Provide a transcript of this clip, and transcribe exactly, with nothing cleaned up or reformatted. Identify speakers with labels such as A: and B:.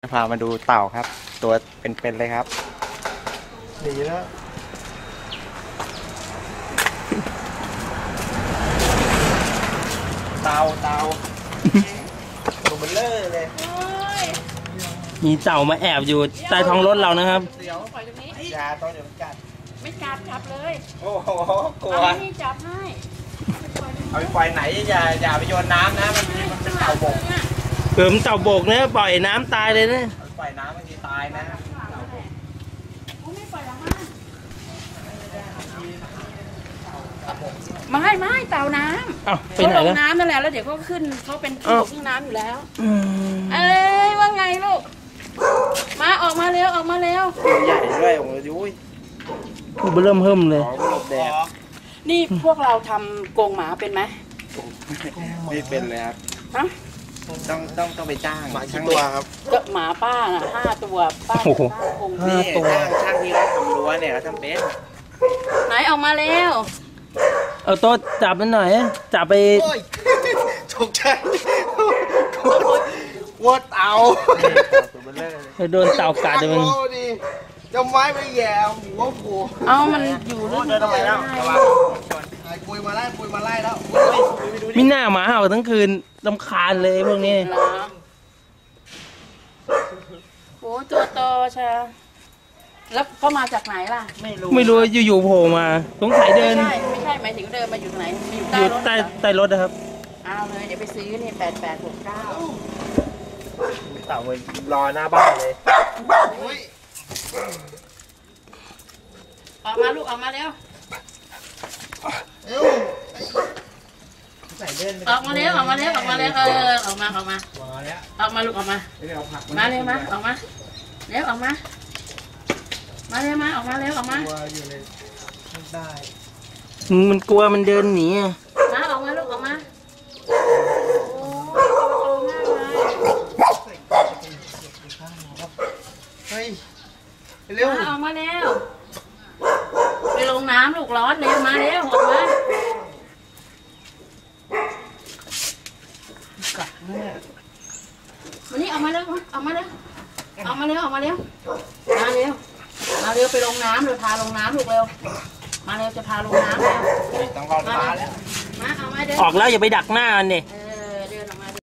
A: พามาดูเต่าครับ ตัวเป็นๆเลยครับหนีแล้วเต่าเต่าตัวเบลเลอร์เลย
B: มีเต่ามาแอบอยู่ใต้ท้องรถเรานะครับ
A: เดี๋ยวปล่อยตรงนี้ยาต้องเดี๋ยวมันกัด
C: ไม่กัดจับเลย
A: โอ้โหกลัว
C: นี่จับให้
A: เอาไปปล่อยไหนอย่าอย่าไปโยนน้ำนะมันมันเป็นเต่าบก
B: เกิมเต่าบกเนี่ยปล่อยน้ำตายเลยนะ
A: ปล่อยน้ำบางทีตายนะ
C: ไม่ไม่เต่าน้ำเขาลงน้ำนั่นแหละแล้วเดี๋ยวเขาขึ้นเขาเป็นที่บกที่น้ำอยู่แล้วเอ้ยว่าไงลูกมาออกมาเร็วออกมาเร็ว
A: ตัวใหญ่ด้วยโอ้ยยุ้ย
B: มันเริ่มเพิ่มเลย
C: นี่พวกเราทำกรงหมาเป็นไหม
A: ไม่เป็นเลยครับ
C: ฮะ
A: ต้องต้องต้องไปจ้างหมากี่ตัวครับ
C: ก็หมาป้าน่ะห้าตัวป้า
B: โอ้โห
A: ห้าตัวช่างที่เราทำรั้วเนี่ยเราทำเป็น
C: ไหนออกมาเร็ว
B: เอาโต๊ะจับมันหน่อยจับไป
A: ฉกใจวัดเต่า
B: โดนเต่ากัดเลยมัน
A: จะไม้ไปแย่หัวโผล่
C: เอามันอยู่ลึก
A: เดินทำไมแล้วปุยมาไล่ปุยมาไล่แล้ว
B: มีหน้าหมาเห่าทั้งคืนรำคาญเลยพวกนี้
C: โอ้ตัวโตใช่แล้วเขามาจากไหนล่ะ
B: ไม่รู้ไม่รู้อยู่ๆโผล่มาสงสัยเดิน
C: ไม่ใช่ไม่ใช่หมายถึงเดินมาอยู่ไหนอยู่ใต้รถ
B: ใต้ใต้รถนะครับ
C: เอาเลยเดี๋ยวไปซื้อนี่แปดแปดหกเก้า
A: เต่ามันรอหน้าบ้านเลย
C: ออกมาลูกออกมาเร็วออกมาเร็วออกมาเร็วออกมาเร็วเออออกมาออกมาออกมาลูกออกมามาเร็วมาออกมาเร็วออกมามาเร็วมาออกมาเร็วออกมา
B: มันกลัวมันเดินหนี
C: มาออกมาลูกออกมา
A: เฮ้ยเร็ว
C: ออกมาเร็วไปลงน้ำลูกร้อนเร็วมาเร็วออกมาวันนี้ออกมาเร็วออกมาเร็วออกมาเร็วออกมาเร็วมาเร็วมาเร็วไปลงน้ำเร็วพาลงน้ำลูกเร็วมาเร็วจะพาลงน้ำเร็ว
A: ต้องรอมาแล้ว
C: มาเอามาเดิน
B: ออกแล้วอย่าไปดักหน้ามันดิ
C: เออ